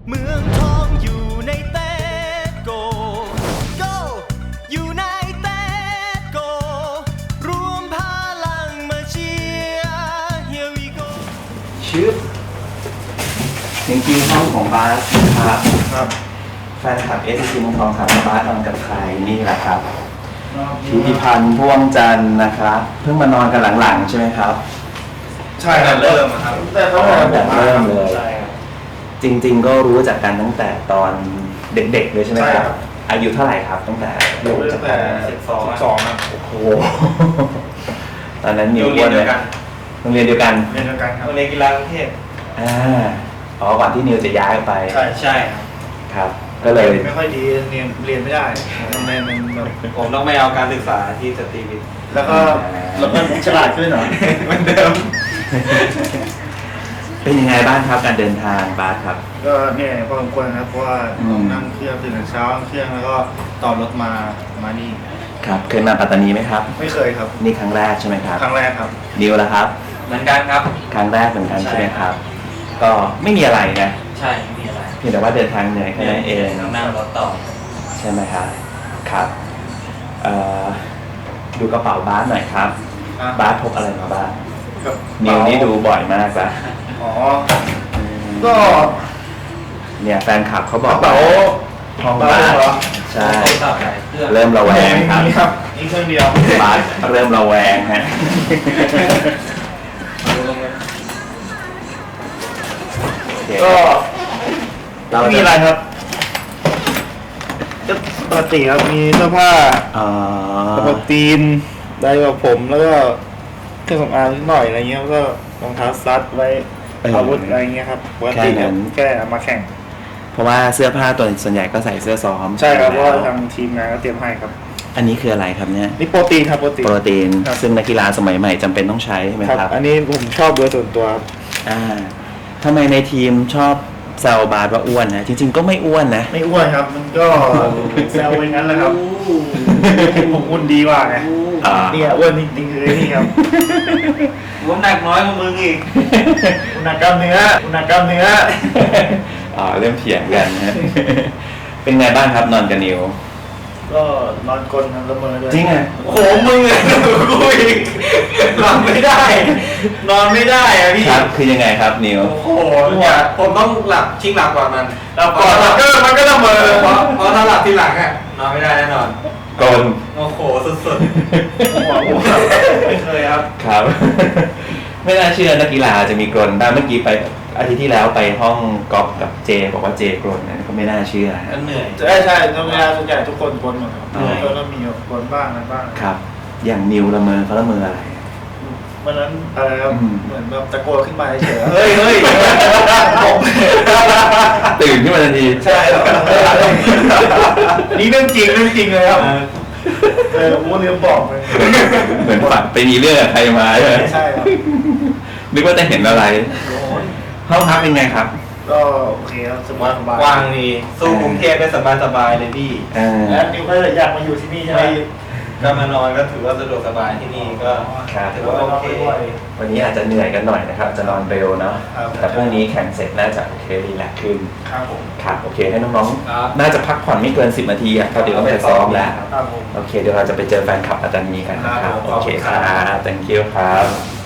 เมืองทองอยู่ในเตโก Go อยู่ในเตโก รวมพลังมาเชียร์ Here we go ชื่อจริงๆห้องของบาสนะครับแฟนคลับเอสซีเมืองทองถามว่าบาสนอนกับใครนี่แหละครับธิติพันธ์พ่วงจันทร์นะครับเพิ่งมานอนกันหลังๆใช่ไหมครับใช่ครับเริ่มครับแต่ตั้งแต่ผมมาเริ่มเลยใช่ครับจริงๆก็รู้จักกันตั้งแต่ตอนเด็กๆเลยใช่ไหมครับ อายุเท่าไหร่ครับตั้งแต่ตั้งแต่12ครับโอ้โหตอนนั้นนิวอ้วนเลยโรงเรียนเดียวกันเรียนเดียวกันครับโรงเรียนกีฬากรุงเทพอ๋อก่อนที่นิวจะย้ายไปใช่ครับครับ ก็เลยไม่ค่อยดีเรียนไม่ได้มันแบบผมต้องไม่เอาการศึกษาที่สตรีวิทย์แล้วก็ฉลาดขึ้นเหรอเหมือนเดิมเป็นยังไงบ้างครับการเดินทางบาสครับก็เนี่ยพอสมควรครับเพราะว่าต้องนั่งเครื่องตื่นแต่เช้าเครื่องแล้วก็ต่อรถมานี่ครับ เคยมาปัตตานีไหมครับไม่เคยครับนี่ครั้งแรกใช่ไหมครับครั้งแรกครับนิวละครับเหมือนกันครับครั้งแรกเหมือนกันใช่ใช่ไหมครับ ก็ไม่มีอะไรนะใช่ไม่มีอะไรเพียงแต่ว่าเดินทางเหนื่อยแค่นั้นเองนั่งรถต่อใช่ไหมครับครับดูกระเป๋าบาสหน่อยครับอ่ะบาสพกอะไรมาบ้างกับนิวนี่ดูบ่อยมากละอ๋อก็เนี่ยแฟนคลับเขาบกอกระเป๋าห้องเป๋าบาสเหรอใช่โทรศัพท์หลายเครื่องเริ่มระแวงครับนี่ครับนี่เครื่องเดียวบาสเริ่มระแวงฮะก็เรามีอะไรครับก็ปกติครับมีเสื้อผ้าอ๋อโปรตีนได้กับผมแล้วก็เครื่องสำอางนิดหน่อยอะไรเงี้ยแล้วก็รองเท้าซัดไว้อาวุธอะไรเงี้ยครับปกติครับแค่เอามาแข่งเพราะว่าเสื้อผ้าตัวส่วนใหญ่ก็ใส่เสื้อซ้อมใช่ครับเพแล้ราะว่าทางทีมงานก็เตรียมให้ครับอันนี้คืออะไรครับเนี่ยนี่โปรตีนครับโปรตีนโปรตีนครับซึ่งนักกีฬาสมัยใหม่จำเป็นต้องใช้ใช่ไหมครับครับอันนี้ผมชอบโดยส่วนตัวครับทำไมในทีมชอบแซวบาสว่าอ้วนนะ จริง ๆ ก็ไม่อ้วนนะไม่อ้วนครับมันก็แซวไปงั้นแหละครับผมอุ่นดีกว่าไงอ่าเนี่ยอ้วนจริงๆคือนี่ครับผมหนักน้อยกว่ามึงอีกอุณหกรรมเนื้ออุณหกรรมเนื้อเริ่มเถียงกันนะ เป็นไงบ้างครับนอนกับนิวก็นอนกลนทำละเมอด้วยจริงอ่ะโอ้โหมึงอะกูอีกนอนไม่ได้ นอนไม่ได้อะพี่ครับคือยังไงครับนิวโอ้โหเนี่ยผมต้องหลับชิงหลับก่อนมันหลับก่อนมันก็ละเมอเพราะถ้าหลับทีหลังอะนอนไม่ได้แน่นอนกลโอ้โหสุดไม่เคยครับครับ ไม่น่าเชื่อนักกีฬาจะมีกรนได้เมื่อกี้ไปอาทิตย์ที่แล้วไปห้องกอล์ฟกับเจบอกว่าเจกรนนะก็ไม่น่าเชื่อๆก็เหนื่อยใช่ธรรมดาส่วนใหญ่ทุกคนกลนหมดครับก็ต้องมีกลนบ้างอะไรบ้างครับ อย่างนิวละเมอเขาละเมออะไรวันนั้นอะไรครับอืมเหมือนแบบตะโกนขึ้นมาเฉยๆเฮ้ยเฮ้ยผมตื่นขึ้นมาทันทีใช่ครับอันนี้เรื่องจริงเลยครับผมลืมบอกเลยเหมือนฝันไปมีเรื่องกับใครมาใช่ไหมใช่ครับนึกว่าจะเห็นอะไร ห้องพักเป็นไงครับก็โอเคครับสบายกว้างดีสู้กรุงเทพได้สบายๆเลยพี่แล้วนิวก็อยากมาอยู่ที่นี่ใช่ไหมก็มานอนก็ถือว่าสะดวกสบายที่นี่ก็ครับถือว่าโอเควันนี้อาจจะเหนื่อยกันหน่อยนะครับ จะนอนเร็วเนาะครับแต่พรุ่งนี้แข่งเสร็จน่าจะโอเครีแลกซ์ขึ้นครับผมครับโอเคให้น้องครับๆ น่าจะพักผ่อนไม่เกิน 10 นาทีอ่ะเพราะเดี๋ยวต้องไปซ้อมแล้วครับผมโอเค เดี๋ยวเราจะไปเจอแฟนคลับปัตตานีกันนะครับครับผมโอเคขอบคคุณครัรับ thank you ครับ